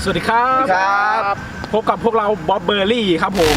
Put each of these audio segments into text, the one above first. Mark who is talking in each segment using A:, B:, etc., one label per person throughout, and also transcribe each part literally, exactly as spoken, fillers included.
A: สวัสดีครับ
B: ครับ
A: พบกับพวกเราบ๊อบเบอร์รี่ครับผม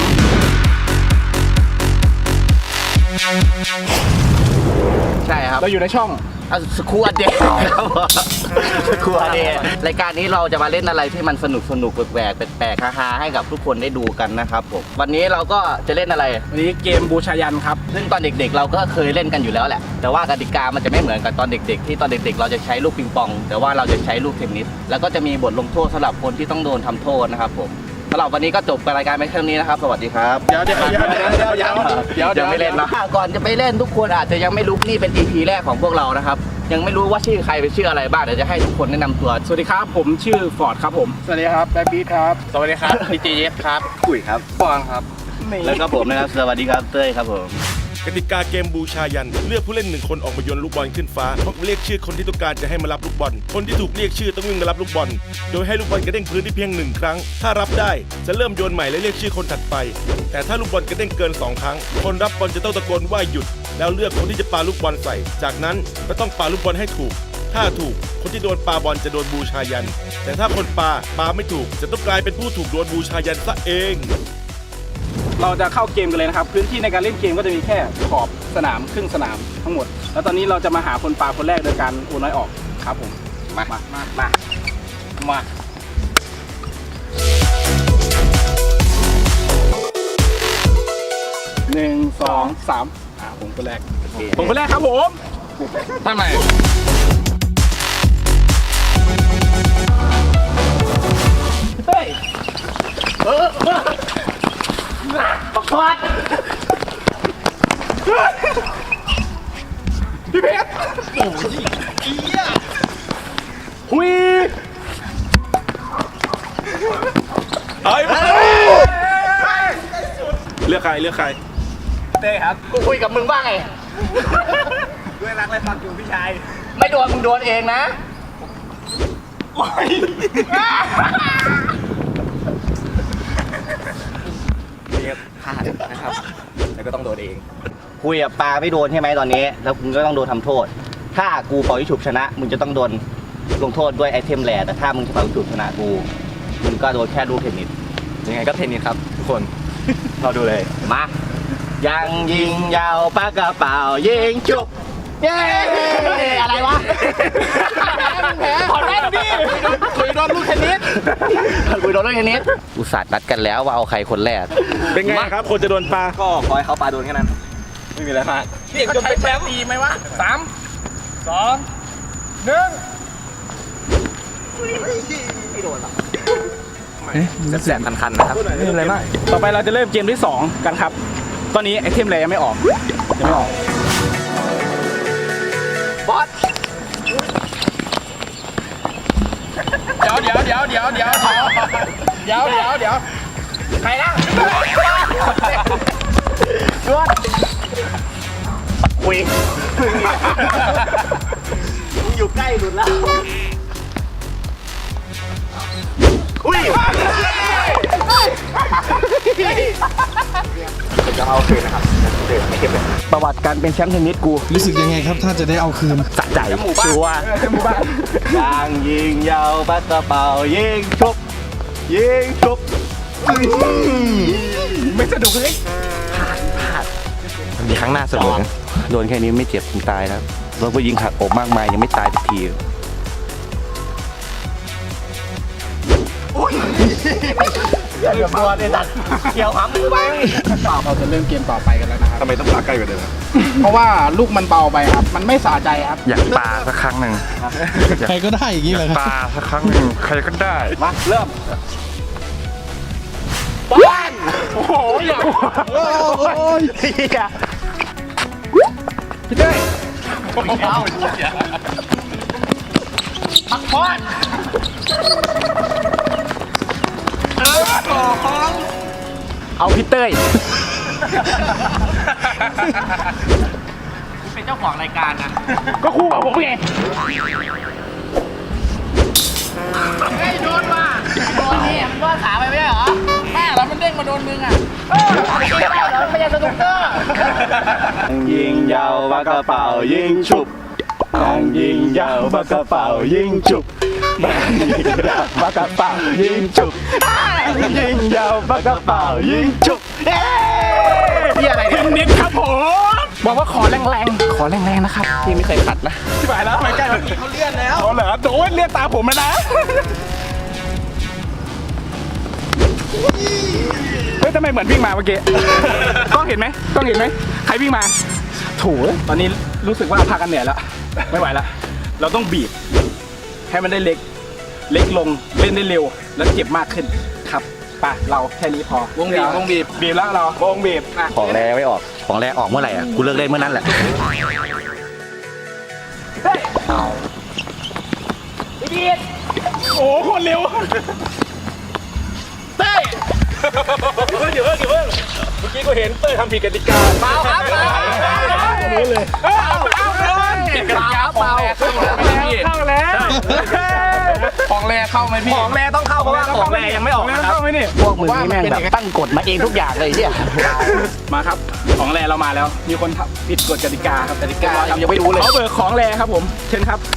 B: ใช่ครับ
A: เราอยู่ในช่อง
B: สกูอเดย์ครับสกูอเดย์รายการนี้เราจะมาเล่นอะไรที่มันสนุกสนุกแปลกๆแปลกๆฮาๆให้กับทุกคนได้ดูกันนะครับผมวันนี้เราก็จะเล่นอะไร
A: วันนี้เกมบูชายันครับ
B: ซึ่งตอนเด็กๆเราก็เคยเล่นกันอยู่แล้วแหละแต่ว่ากติกามันจะไม่เหมือนกับตอนเด็กๆที่ตอนเด็กๆเราจะใช้ลูกปิงปองแต่ว่าเราจะใช้ลูกเทนนิสแล้วก็จะมีบทลงโทษสำหรับคนที่ต้องโดนทำโทษนะครับผมสำหรับวันนี้ก็จบรายการไปแค่นี้นะครับสวัสดีครับ
A: เดี๋ยวเดี๋ยวเดี๋ยวเดี๋ยวเดี๋ยวเดี๋ยวเดี๋ยวเดี๋ยว
B: ไม่เล่นนะก่อนจะไปเล่นทุกคนอาจจะยังไม่รู้นี่เป็น อี พี แรกของพวกเรานะครับยังไม่รู้ว่าชื่อใครเป็นชื่ออะไรบ้างเดี๋ยวจะให้ทุกคนแนะนำตัว
A: สวัสดีครับผมชื่อฟอร์ดครับผม
C: สวัสดีครับแบบีครับ
A: สวัสดีครับพีจีเอฟครับ
B: กุ๋ยครับ
C: ปองครับ
B: แล้วก็ผมนะครับสวัสดีครับเต้ยครับผม
D: กติกาเกมบูชายันเลือกผู้เล่นหนึ่งคนออกมาโยนลูกบอลขึ้นฟ้าพร้อมเรียกชื่อคนที่ต้องการจะให้มารับลูกบอลคนที่ถูกเรียกชื่อต้องวิ่งมารับลูกบอลโดยให้ลูกบอลกระเด้งพื้นที่เพียงหนึ่งครั้งถ้ารับได้จะเริ่มโยนใหม่และเรียกชื่อคนถัดไปแต่ถ้าลูกบอลกระเด้งเกินสองครั้งคนรับบอลจะต้องตะโกนว่าหยุดแล้วเลือกคนที่จะปาลูกบอลใส่จากนั้นก็ต้องปาลูกบอลให้ถูกถ้าถูกคนที่โดนปาบอลจะโดนบูชายันแต่ถ้าคนปาปาไม่ถูกจะต้องกลายเป็นผู้ถูกโดนบูชายันซะเอง
A: เราจะเข้าเกมกันเลยนะครับพื้นที่ในการเล่นเกมก็จะมีแค่ขอบสนามครึ่งสนามทั้งหมดแล้วตอนนี้เราจะมาหาคนปาคนแรกโดยการโอนน้อยออกครับผม
B: มา
A: มา
B: มา
A: มามาหนึ่งสองสามอ่าผมคนแรกผมคนแรกครับผม
B: ทำไม
A: เฮ้ยเออบักควดพี่เพชรโอ้ยอีอ่ะหุย
D: เฮ้ยเลือกใครเลือกใคร
A: เต้ครับ
B: กูคุยกับมึงบ้างไง
A: ด้วยรักและฟังอยู่พี่ชาย
B: ไม่โดนมึงโดนเองนะ
A: โอ้ย
B: พลาดนะครับแล้วก็ต้องโดนเองคุยกับปลาไม่โดนใช่ไหมตอนนี้แล้วมึงก็ต้องโดนทำโทษถ้ากูเป่ายิงฉุบชนะมึงจะต้องโดนลงโทษด้วยไอเทมแรแต่ถ้ามึงเป่ายิงฉุบชนะกูมึงก็โดนแค่ลูกเทนนิสยังไงก็เทนนิสครับทุกคนเราดูเลยมายังยิงยาวปากกระเป๋ายิงฉุบเย้อะไรวะ
A: ขอได้ดิคุยโดนลูกเทนนิส
B: คุยโดนลูกเทนนิสอุตส่าห์นัดกันแล้วว่าเอาใครคนแรก
D: เป็นไงครับคนจะโดนปลา
B: ก็ขอให้เขาปลาโดนแค่นั้นไม่มีอะไรมาก
A: นี่จนเป็นแชมป์ดีไหมวะสามสองหนึ่ง
B: ไม่โดนหรอกแสบๆคันๆนะครับไม่มีอะไรมาก
A: ต่อไปเราจะเริ่มเกมที่สองกันครับตอนนี้ไอเทมแรยังไม่ออกยังไม่ออก
B: บอส
A: เดี๋ยวเดี๋ยวเดี๋ยวเดี๋ยวเดี๋ยวเดี๋ยวเดี๋ยวเดี๋ยวใครนะ
B: ชวนคุยมึงอยู่ใกล้หลุดแล้วอุ้ยจะเอาคืนนะครับเดี๋ยวไม่เก็บเลยประวัติการเป็นแชมป์เทนนิสกู
C: รู้สึกยังไงครับถ้าจะได้เอาคืน
B: สะใจชัวร์ยางยิงยาวปากกระเป๋ายิงชุบยิงชุบ
A: ไม่สนุกเลย
B: พลาดพลาดมันมีครั้งหน้าสนุกนะโดนแค่นี้ไม่เจ็บถึงตายแล้วเราก็ยิงหักอกมากมายยังไม่ตายสักทีเกี่ยวตัวเนี่ยตัดเกี่ยวหำมือไป
A: เราจะเริ่มเกมต่อไปกันแล้วนะครับ
D: ทำไมต้องปลาใกล้กว่าเดิม
A: เพราะว่าลูกมันเบาไปครับมันไม่สะใจครับ
E: อยากปลาสักครั้งหนึ่ง
C: ใครก็ได้อย่างนี้เลย
E: ปลาสักครั้งหนึ่งใครก็ได้
B: มาเริ่ม
A: บ้านโอ้โหอย่า
C: โอ้ย
A: พี่อะพี่เต้ย
B: เอาปักพอดเอาพี่เต้ยเป็นเจ้าของรายการนะ
A: ก็คู่กับผมไง
B: ไอ้โดนว่ะโดนนี่มันก็ขาไปไม่ได้เหรอแม่แล้วมันเด้งมาโดนมึงอ่ะเออไม่ได้เหรอไม่ใช่สนุกเกอร์ยิงยาวปากกระเป๋ายิงฉุบยิงยาวปากกระเป๋ายิงฉุบ
A: ปากกระเป๋ายิงฉุบยิงยาวปากกระเป๋ายิงฉุบเอ๊ะ
B: เฮียอะไรเนี่ย
A: นิดครับผมบอกว่าขอแรงๆขอแรงๆนะครับ
B: พี่ไม่เคยขัดนะ
A: ที่ไปแล้วไปใกล้แล้วเขาเลื่อนแล้วเขาเหรอโดนเลื่อนตาผมแล้วนะเฮ้ยทำไมเหมือนวิ่งมาเมื่อกี้กล้องเห็นไหมกล้องเห็นไหมใครวิ่งมาโถูตอนนี้รู้สึกว่าพากันเหนื่อยแล้วไม่ไหวแล้วเราต้องบีบให้มันได้เล็กเล็กลงเล่นได้เร็วแล้วเจ็บมากขึ้นครับไปเราแค่นี้พอวงบีบวงบีบบีบแล้วเราวงบีบ
B: ของแรไม่ออก ของแรออกเมื่อไหร่อ่ะ กูเลิกเล่นเมื่อนั้นแหละ
A: โอ้โหคนเร็วเต้ยเดี๋ยวเพิ่งเดี๋ยวเพิ่งเดี๋ยวเพิ่งเมื่อกี้กูเห็นเต้ยทำผิดกติกาเปล่าครับเปล่ารู้เลยเปล่าเปล่าผิดกติกาเปล่าเข้าแล้วของแรเข้าไหมพี่ของแรต้องเข้าเพราะว่าของแรยังไม่ออกนะครับเข้าไหมนี่
B: พวกมึงนี่แม่งแบบตั้งกฎมาเองทุกอย่างเลยเนี่ย
A: มาครับของแรเรามาแล้วมีคนผิดกฎกติกาครับกติกา
B: ยังไม่รู้เลย
A: เขาเบิกของแรครับผมเชิญครับ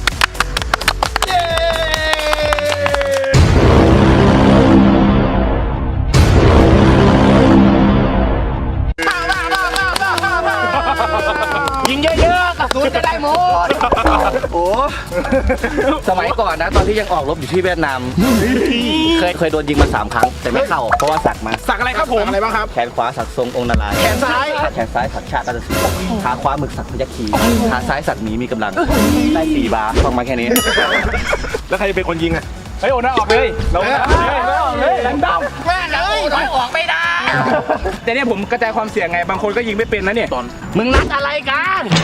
B: ยิงเยอะๆกระสุนจะได้หมด โอ้สมัยก่อนนะ ตอนที่ยังออกรบอยู่ที่เวียดนาม เคยเคยโดนยิงมาสามครั้ง แต่ไม่เข้า เพราะว่าสักมา
A: สักอะไรครับผมอะไรบ้างครับ
B: แขนขวาสักทรงองค์นารายณ์
A: แขนซ้าย
B: แขนซ้ายสักชาติราชสีห์ขาขวาหมึกสักพยัคฆ์คีขาซ้ายสักหมีมีกำลัง ได้สี่บาร์ฟังมาแค่นี้
D: แล้วใครจะเป็นคนยิงอ่ะ
A: เฮ้ยโอนน้อยออกเลยเราเลยออกเลยแรงดำแม่เลยน้อยออกไม่ได้แต่เนี่ยผมกระจายความเสี่ยงไงบางคนก็ยิงไม่เป็นนะเนี่ยตอน
B: มึงนัดอะไรกัน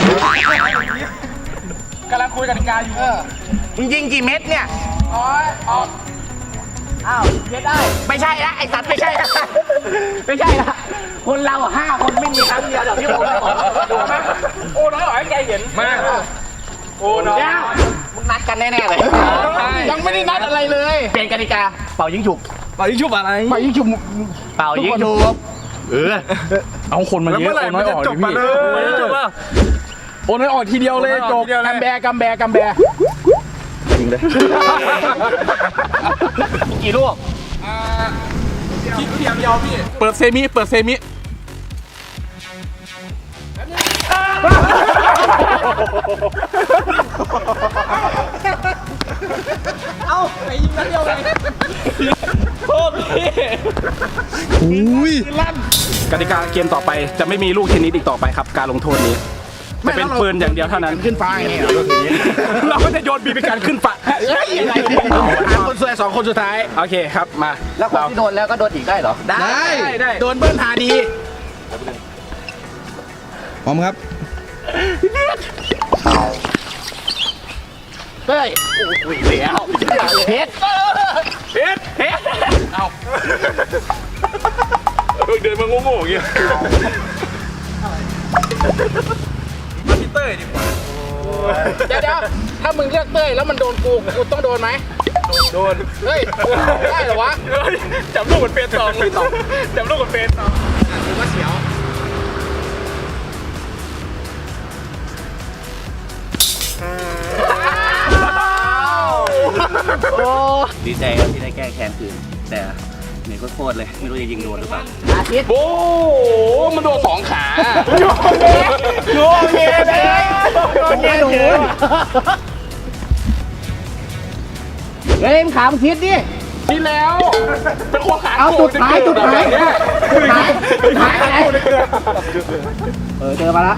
A: กำลังคุยกติกาอยู่
B: มึงยิงกี่เม็ดเนี่ย
A: น้อยออก
B: อ้าวเม็ดได้ ไม่ใช่ละไอสัตว์ไม่ใช่ละไม่ใช่ละคนเราห้าคนไม่มีครั้งเดียวเดี๋ยวพี่โอ้ยออกดูไหม
A: โอ้น้อยออกให้ใจเห็นมากโอ้น้อย
B: มึงนัดกันแน่ๆเลย
A: ยังไม่ได้นัดอะไรเลย
B: เปลี่ยนกติกาเป่ายิงฉุบ
A: ปายิงชุบอะไร
C: ไปยิ่งชุม
B: เป่ายิงฉุบเออ
A: เอาคนมาเยอะโอ้น้อยออกดิพี่จบป่ะโอ้น้อยออกทีเดียวเลยจบกัมแบกัมแบกัมแบ
B: ยิงเลยกี่ลูก
A: คิดเทียมยาวพี่เปิดเซมิเปิดเซมิเอาไปยิงนัดเดียวเลยโทษพี่
C: อุ้ย
A: กติกาเกมต่อไปจะไม่มีลูกเทนนิสอีกต่อไปครับการลงโทษนี้จะเป็นปืนอย่างเดียวเท่านั้นขึ้นฟ้าอย่างนี้เราก็จะโยนบีบีกันขึ้นฟ้าเฮ้ยอะไรเนี่ยคนสวยสองคนสุดท้ายโอเคครับมา
B: แล้วคนที่โดนแล้วก็โดนอีกได้เหรอ
A: ได้ได้โดนเบิ้ลหาดี
C: พร้อมครับ
B: เฮ้ยโอ้ยเสียวเพชร
A: เพชรเพชรเอาเดินมาโง่ๆอย่างเงี้ยมาพี่เต้ยดีกว่าเดี๋ยวเดี๋ยวถ้ามึงเลือกเต้ยแล้วมันโดนกูกูต้องโดนไหมโดนเฮ้ยได้เหรอวะจับลูกเหมือนเฟนสองเลยจับลูกเหมือนเฟนสองถือว่าเสียว
B: ดีใจครับที่ได้แก้แค้นคืนแต่เหนื่อยโคตรเลยไม่รู้จะยิงโดนหรือเปล่าอาทิตย์
A: โอ้มันโดนสองขาโยนเงี้ยเลยโยนเงี้ยหนู
B: เฮ้ยมึงขามคิดดิ
A: นี่แล้วเป็นคนขา
B: เอาจุดท้ายจุดท้ายจุดท้ายจุดท้ายอะไรเออเจอมาละ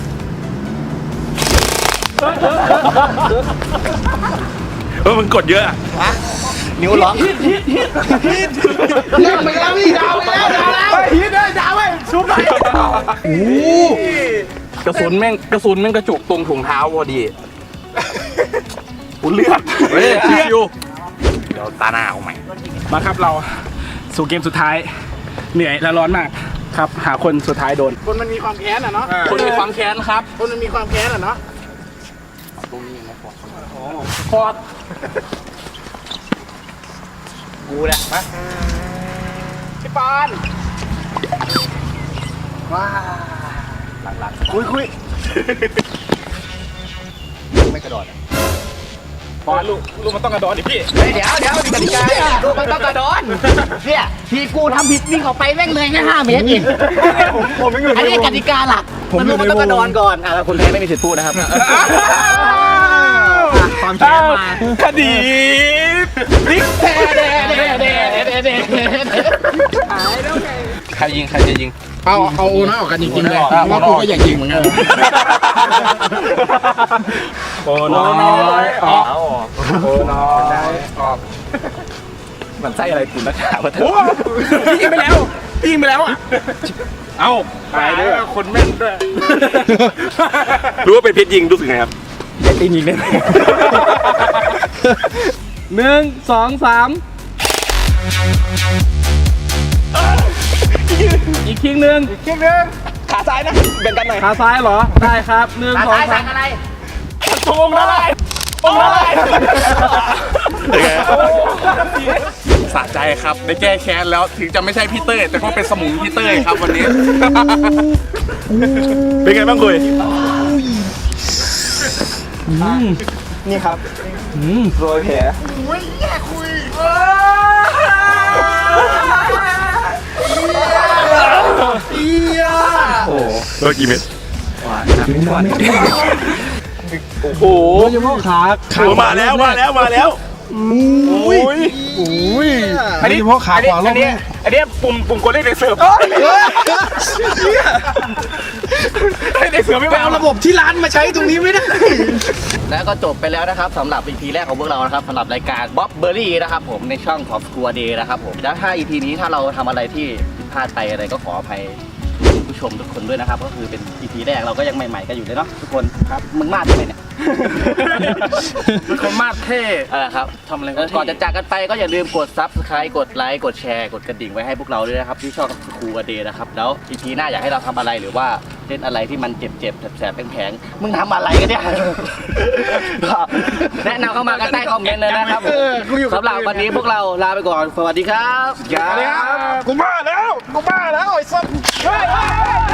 D: เออมึงกดเยอะอะ
B: นิ้วล็อก
A: ฮิตฮิตฮิตฮิตเลิกไปแล้วพี่ดาวไปแล้วดาวแล้วฮิตเลยดาวไปชุบไปโอ้กระสุนแม่งกระสุนแม่งกระจุกตรงถุงเท้าพอดีอุ่นเลือดเฮ้ยชิวเดี๋ยวตาหน้าเอาใหม่มาครับเราสู่เกมสุดท้ายเหนื่อยและร้อนมากครับหาคนสุดท้ายโดน
C: คนมันมีความแค้นอ่ะเนาะ
A: คนมีความแค้นครับ
C: คนมันมีความแค้นอ่ะเนาะ
A: พอด
B: กูแหละมา
A: พี่ปาน
B: ว้าหลังๆคุยคุยไม่กระโดด
A: พอลูกลูกมันต้องกระโดดดิพี่
B: เฮ้ยเดี๋ยวเดี๋ยวมีกติกาเนี่ยลูกมันต้องกระโดดเนี่ยทีกูทำผิดวิ่งออกไปแม่งเลยแค่ห้าเมตรเอง
C: ผมผมยังอยู่
B: อันนี้กติกาหลักมันลูกมันต้องกระโดดก่อนอ่ะแล้วคนแพ้ไม่มีสิทธิ์พูดนะครับความแค้นมา
A: คดีพลิกแท้เด้เด้เด้เด้เด้ใครยิงใครจะยิง
C: เอาเอาโอน้อยออกกันจริงๆเลยเพราะว่ากูก็อยากยิงเหมือนกัน
A: โอ้น้อยออกโอ้น้อยออก
B: มันไส้อะไรกูนักข่าวะเธอ
A: โอ้พี่ยิงไปแล้วพี่ยิงไปแล้วอ่ะเอ้าตายด้วยคนแม่นด้วย
D: รู้ว่าเป็นเพชรยิงรู้สึกไงครับ
B: ตีนยิงได้ไหม
A: หนึ่งสองสามอีกคิงหนึ่ง
B: คิงนึงขาซ้ายนะแบ่งกันหน่อย
A: ขาซ้ายเหรอได้ครับหนึ่ง
B: ขา
A: สอง
B: ซ้าย
A: สา
B: สั่
A: ม
B: งอะไร
A: โองละลายโองละลายสะใจครับได้แก้แค้นแล้วถึงจะไม่ใช่พี่เต้ยแต่ก็เป็นสมุนพี่เต้ยครับวันนี้
D: เป็นไงบ้างคุย
B: นี่ครับโรยแผล
D: โดนกี่เม็ด
A: โอ้โห
C: เฉพาะขา
D: โอ้มาแล้วมาแล้วมาแล้วอุ้ย
C: อุ้ยอันนี้เฉพาะขาขวารอบแรก
A: อันนี้ปุ่มปุ่มกดเลขในเสิร์ฟให้ในเสิร์ฟไม่
C: ไป
A: เอา
C: เอา
A: ระ
C: ระ
A: บบ
C: บบที่ร้านมาใช้ตรงนี้ไม่ได้
B: แล้วก็จบไปแล้วนะครับสำหรับ อี พี แรกของพวกเรานะครับสำหรับรายการบ๊อบเบอรี่นะครับผมในช่องของครัวเดย์นะครับผมแล้วถ้า อี พี นี้ถ้าเราทำอะไรที่ผิดพลาดไปอะไรก็ขออภัยผู้ชมทุกคนด้วยนะครับก็คือเป็น อี พี แรกเราก็ยังใหม่ๆกันอยู่เลยเนาะทุกคนครับมึงมาดทำไมเนี่ย
A: เป็นคนมาดเท่
B: เออครับทำอะไรก็ก่อนจะจากกันไปก็อย่าลืมกด ซับสไครบ์ กดไลค์กดแชร์กดกระดิ่งไว้ให้พวกเราด้วยนะครับที่ช่องครูเดย์นะครับแล้ว อี พี หน้าอยากให้เราทำอะไรหรือว่าเล่นอะไรที่มันเจ็บๆแสบๆแผลงๆมึงทำอะไรกันเนี่ย ก็แนะนำเข้ามากันใต้คอมเมนต์เลยนะครับสำหรับวันนี้พวกเราลาไปก่อนสวัสดีครับ
A: สวัสดีครับ
C: กูมาแล้วกูมาแล้วไอ้สัส